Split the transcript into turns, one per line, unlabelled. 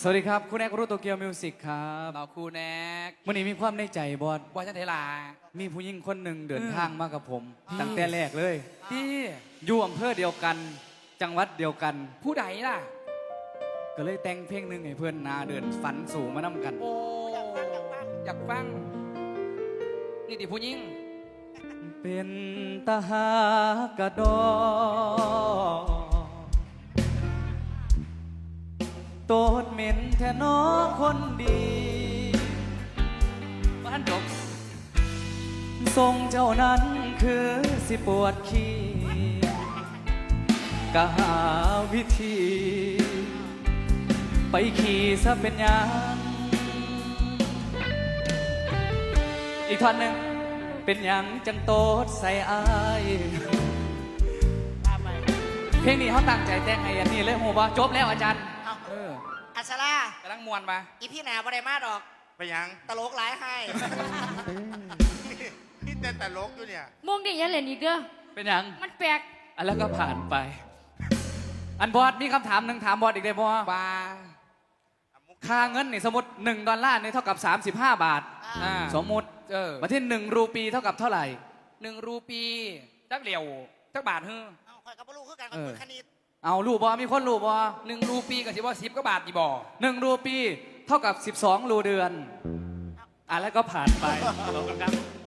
สวัสดีครับคุณแอกรู้โตเกียวมิวสิกครับ
เราครูแนก
วันนี้มีความในใจบอส
บอจันเทลา
มีผู้หญิงคนหนึ่งเดินทางมากับผมตั้งแต่แรกเลย
ที่
อยู่อำเภอเดียวกันจังหวัดเดียวกัน
ผู้ใดล่ะ
ก็เลยแต่งเพลงหนึ่งให้เพื่อนนาเดินฝันสู่มานำกัน
โอ้อยากฟังนี่ดิผู้หญิง
เป็นตาหากระดอโตดเหม็นแท่นอคนดี
บ้านจบ
ทรงเจ้านั้นคือสิปวดขี้กะหาวิธีไปขี่ซะเป็นยังอีกท่อนหนึ่งเป็นยังจังโตดใส่อายเพลงนี้เขาตั้งใจแต่งไงอันนี้เลยโหบ่จบแล้วอาจารย์
อัศราก
ำลังมวนมา
อีพี่หนาบ่ได้มาดอก
ไปยัง
ตลกหลายให้
พี่เต้นตลกอยู่เนี่ย
มงดิยันเหรียญอีกเด้อ
เป็นยัง
มันแปลก
อันแล้วก็ผ่านไปอันบอสมีคำถามหนึ่งถามบอสอีกได้บอส
บา
ค่าเงินนี่สมมติ$1นี่เท่ากับ35 บาทสมมติมาที่1 รูปีเท่ากับเท่าไหร่
1 รูปีจักเหลียวจักบาทเฮ้อ
คอยกับลูกคือกันกับมือคณิต
เอารูบอมีคนรูบอ
1 รูปีกับ10 ก็บาทดีบ่
1 รูปีเท่ากับ12 รูเดือนแล้วก็ผ่านไปขอบคุณครับ